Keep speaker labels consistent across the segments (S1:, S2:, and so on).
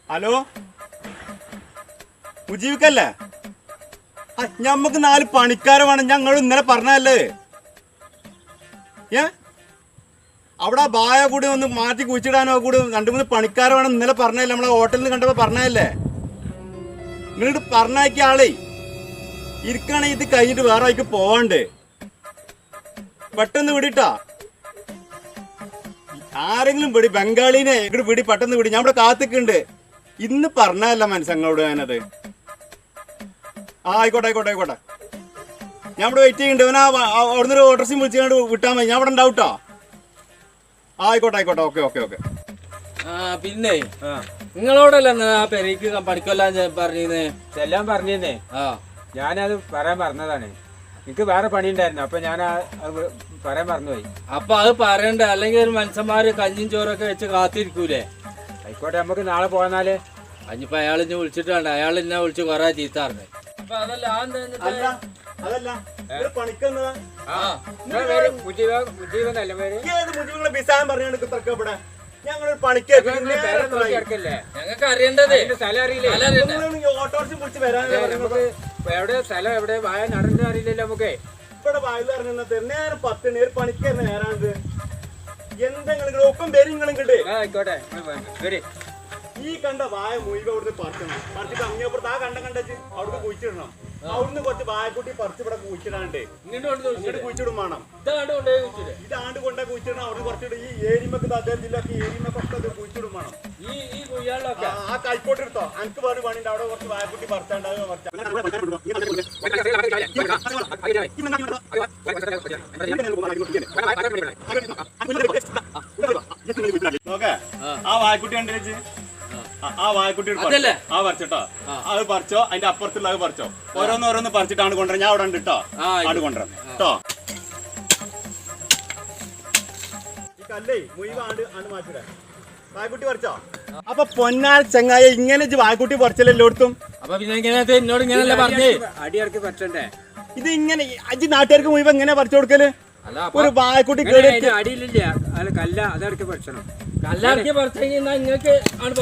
S1: Hello മുജീബിക്കല്ലേ? ഞമ്മക്ക് 4 പണിക്കാരെ വേണം. ഞങ്ങൾ ഇന്നലെ പറഞ്ഞല്ലേ അവിടെ ബായ കൂടി ഒന്ന് മാറ്റി കുഴിച്ചിടാനോ കൂടി 2-3 പണിക്കാരെ വേണം ഇന്നലെ പറഞ്ഞല്ലേ. നമ്മളെ ഹോട്ടലിൽ നിന്ന് കണ്ടപ്പോ പറഞ്ഞല്ലേ. നിങ്ങളിട്ട് പറഞ്ഞയക്കിയ ആളേ ഇരിക്കണേ. ഇത് കഴിഞ്ഞിട്ട് വേറെ ആയിക്ക് പോവാണ്ട് പെട്ടെന്ന് വിടിട്ടാ. ആരെങ്കിലും വിടി, ബംഗാളിനെ ഇവിടെ വിടി, പെട്ടെന്ന് വിടി. ഞാൻ ഇവിടെ കാത്തിക്കുണ്ട്. ഇന്ന് പറഞ്ഞല്ല മനസ്സങ്ങളോട് ഞാനത്. ആയിക്കോട്ടെ ആയിക്കോട്ടെ ആയിക്കോട്ടെ. ഞാൻ ഇവിടെ വെയിറ്റ് ചെയ്യുന്നുണ്ട്. അവനാ അവിടുന്ന് ഒരു ഓട്ടർസിയും വിളിച്ചുകൊണ്ട് വിട്ടാൽ മതി. ഞാൻ ഇവിടെ ഉണ്ടാവട്ടോ. ആയിക്കോട്ടെ ആയിക്കോട്ടെ. Okay okay okay.
S2: പിന്നെ നിങ്ങളോടല്ല ആ പെരേക്ക് പഠിക്കൊല്ലാൻ പറഞ്ഞേ
S3: ചെല്ലാൻ പറഞ്ഞേ. ഞാനത് പറയാൻ പറഞ്ഞതാണ്. എനിക്ക് വേറെ പണി ഉണ്ടായിരുന്നു. അപ്പൊ ഞാൻ പറയാൻ മറന്നുപോയി.
S2: അപ്പൊ അത് പറയണ്ടേ? അല്ലെങ്കിൽ ഒരു മനുഷ്യന്മാര് കഞ്ഞിയും ചോറൊക്കെ വെച്ച് കാത്തിരിക്കൂലേ?
S3: ആയിക്കോട്ടെ, നമുക്ക് നാളെ പോന്നാല്.
S2: അഞ്ഞിപ്പോ അയാൾ ഇന്നെ വിളിച്ചിട്ട് വേണ്ട. അയാൾ ഇന്നെ വിളിച്ച് കൊറേ ചീത്താറിനെ. അപ്പൊ അതല്ല
S1: ഞങ്ങളൊരു പണിക്ക്
S2: ഞങ്ങൾക്ക് അറിയേണ്ടത്
S3: സ്ഥലം അറിയില്ലേ?
S1: ഓട്ടോറിച്ച് വിളിച്ച് വരാൻ
S3: എവിടെ സ്ഥലം എവിടെ വായ നടന്നത് അറിയില്ലല്ലോ നമുക്ക്.
S1: ഇവിടെ വായു ഇറങ്ങുന്നത് നേരം 10 ഒരു പണിക്ക് നേരാണത്. എന്തെങ്കിലും ഒപ്പം പേര് നിങ്ങളും കിട്ടേ.
S3: ആയിക്കോട്ടെ,
S1: ഈ കണ്ട വായ മുഴുവൻ അവിടുന്ന് പറിക്കണം. പറിച്ചിട്ട് അങ്ങേപ്പുറത്ത് ആ കണ്ടച്ച് അവിടുന്ന് കുഴിച്ചിടണം. അവിടുന്ന് കുറച്ച് വായക്കുട്ടി പറിച്ച് ഇവിടെ കുഴിച്ചിടാണ്ട് ഇങ്ങോട്ട് കുഴിച്ചിടും വേണം. ഇതാണ്ട് കൊണ്ടേ കുഴിച്ചിടണം. അവിടെ കുറച്ചിട്ട് ഈ ഏരിമക്ക് അദ്ദേഹം ജില്ലക്ക് ഏരിമക്കൊക്കെ കുഴിച്ചിടും വേണം. ആ കൈക്കോട്ട് എടുത്തോ. എനിക്ക് വേറെ പണിയുണ്ട്. അവിടെ കുറച്ച് വായക്കുട്ടി പറിച്ചാണ്ട് നോക്കേ. ആ വായക്കുട്ടി കണ്ടു. ആ വായക്കുട്ടി ആ പറിച്ചോട്ടോ. അത് പറിച്ചോ. അതിന്റെ അപ്പുറത്തുള്ള അത് പറിച്ചോ. ഓരോന്ന് പറിച്ചിട്ടാണ് കൊണ്ടുവരാൻ. ഞാൻ അവിടെ ഉണ്ട് കേട്ടോ. ആട് കൊണ്ടുവരാം കേട്ടോ. ഈ കല്ലേ മുഴുവൻ ആണ്ട് മാറ്റിടാ. വായക്കുട്ടി പറിച്ചോ. അപ്പൊ പൊന്നാർ ചങ്ങായ ഇങ്ങനെ വായക്കുട്ടി പറിച്ചല്ലോ എല്ലായിടത്തും.
S2: അപ്പൊ പിന്നെ എന്നോട് ഇങ്ങനല്ലേ പറഞ്ഞേ
S3: അടിയിറക്കി പറിച്ചണ്ടേ?
S1: ഇത് ഇങ്ങനെ അജി നാട്ടുകാർക്ക് മുഴുവൻ എങ്ങനെ പറിച്ചു കൊടുക്കല്? ഒരു വായക്കുട്ടി
S3: അടിയിലില്ല. അല്ല കല്ല അതിറക്കി പറിച്ചണം.
S2: കല്ലിറക്കി പറിച്ചു കഴിഞ്ഞാൽ നിങ്ങൾക്ക്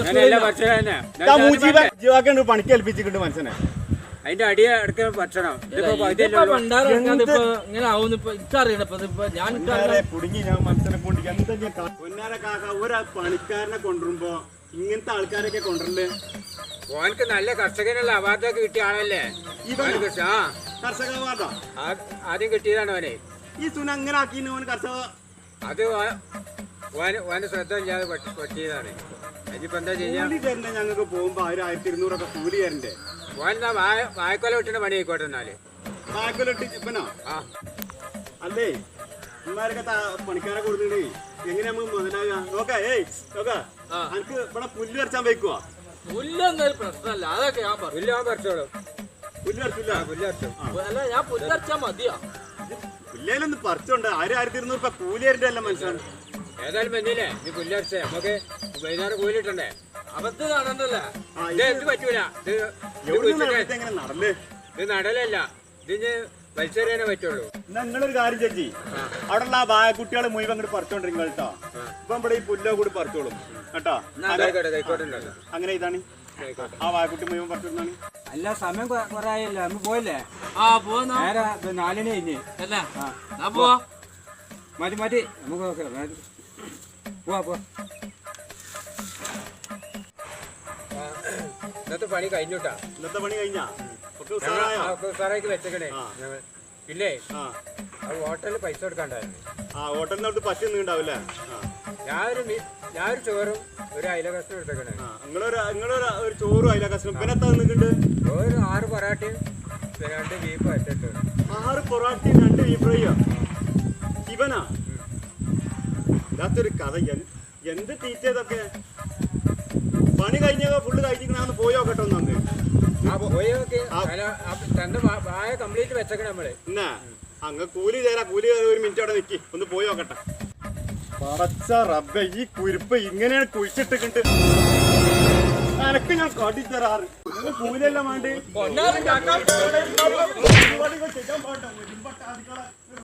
S1: പണിക്ക് ഏൽപ്പിച്ചിട്ടുണ്ട് മനസ്സിനെ.
S3: അതിന്റെ അടി ഇടയ്ക്ക് പറിച്ചണം.
S2: ഇങ്ങനെ ആവുന്ന
S1: കുടുങ്ങി ഞാൻ മനസ്സിനെ കൊണ്ട് പൊന്നാര കാക്ക ഒരു പണിക്കാരനെ കൊണ്ടുവരുമ്പോ ഇങ്ങനത്തെ ആൾക്കാരൊക്കെ കൊണ്ടുവരണ്ടേ?
S3: ഓനക്ക് നല്ല കർഷകനുള്ള അവാർഡൊക്കെ കിട്ടിയ ആളല്ലേ?
S1: കർഷക അവാർഡോ?
S3: ആദ്യം കിട്ടിയതാണ് ഓനെ.
S1: ഈ സുന അങ്ങനെ ആക്കി ഓന് കർഷക.
S3: അത് ഓന് ശ്രദ്ധ ഇല്ലാതെ പറ്റിയതാണ്. അതിപ്പോ എന്താ ചെയ്യാ?
S1: ഞങ്ങൾക്ക് പോകുമ്പോ 1200 കൂലി തരണ്ടേ?
S3: ഓനെന്താ വായക്കൊല വിട്ടിട്ട് പണി ആയിക്കോട്ടെ. എന്നാല്
S1: വായക്കൊല ഇട്ട് ഇപ്പനോ? അല്ലേ ഇമാരൊക്കെ പണിക്കാരെ കൊടുത്തിട്ട് എങ്ങനെ നമുക്ക് മുതലാകാം? നോക്കാ. എനിക്ക് ഇവിടെ പുല്ല് പറിച്ചാൻ വെക്കുവാ.
S2: പുല്ലൊന്നും പ്രശ്നമല്ല. അതൊക്കെ ഞാൻ
S3: പുല്ല് ഞാൻ പറിച്ചോളൂ.
S1: പുല്ല് പറിച്ചില്ല.
S2: അല്ല ഞാൻ പുല്ല് പറിച്ചാൽ മതിയോ?
S1: പുല്ലേലൊന്ന് പറിച്ചോണ്ട് 1200 കൂലി തരണ്ടല്ല മനുഷ്യൻ.
S3: ഏതായാലും വന്നില്ലേ നീ പുല്ലറിച്ച നമുക്ക് വൈകുന്നേരം കൂലിട്ടണ്ടേ?
S2: അബദ്ധ നടന്നല്ലേ?
S3: ഇത് പറ്റൂല. ഇത് നടലല്ല. ഇതിന് വലിച്ചെറിയാനേ പറ്റുള്ളൂ.
S1: എന്നാ നിങ്ങളൊരു കാര്യം ചേച്ചി, അവിടെയുള്ള ആ വായക്കുട്ടികളെ മുഴുവൻ അങ്ങോട്ട് പറിച്ചോണ്ടിരിക്കും കേട്ടോ. ഇപ്പൊ ഇവിടെ ഈ പുല്ലോ കൂടി പറിച്ചോളും കേട്ടോ. അങ്ങനെ ഇതാണ് ആ വായക്കുട്ടി മുഴുവൻ പറിച്ചോണ്ടാണ്.
S3: അല്ല സമയം കൊറേ ആയല്ലോ. നമ്മ പോയല്ലേ? നേരെ 4 കഴിഞ്ഞ്
S2: പോവാ.
S3: മതി നമുക്ക് പോവാ. ഇന്നത്തെ പണി കഴിഞ്ഞോട്ടാ.
S1: ഇന്നത്തെ പണി കഴിഞ്ഞാ
S3: ഉസാറാക്കി വെച്ചേക്കണേ. ഇല്ലേ ഹോട്ടലിൽ പൈസ കൊടുക്കാണ്ടായിരുന്നു.
S1: ഹോട്ടലിന് അവിടെ പറ്റുന്നുണ്ടാവില്ലേ?
S3: ഞാനൊരു ചോറും ഒരു അയില കഷ്ണം എടുത്തേക്കണേ.
S1: ഒരു ചോറും അയില കഷ്ണം. പിന്നെ എത്ര നിൽക്കുന്നുണ്ട്?
S3: ഒരു 6 പൊറാട്ടയും 2 ബീഫ് അറ്റിട്ട്.
S1: 6 പൊറാട്ടയും 2 ബീഫ് ഫ്രൈയോ? ഇവനാ ഇല്ലാത്തൊരു കഥ. എന്ത് തീറ്റതൊക്കെ പണി കഴിഞ്ഞോ? ഫുള്ള് കഴിഞ്ഞിരിക്കണമെന്ന് പോയോ കേട്ടോ.
S3: തന്റെ വായ കംപ്ലീറ്റ് വെച്ചേക്കണേ നമ്മള്.
S1: എന്നാ അങ്ങ് കൂലി തരാ. കൂലി 1 മിനിറ്റ് അവിടെ നിൽക്കി ഒന്ന് പോയോ കേട്ടെ. പടച്ച റബ്ബേ, ഈ കുരുപ്പ് ഇങ്ങനെയാണ് കുഴിച്ചിട്ടിട്ട് എനക്ക് ഞാൻ കാട്ടിത്തരാറ്. കൂലിയെല്ലാം വേണ്ടി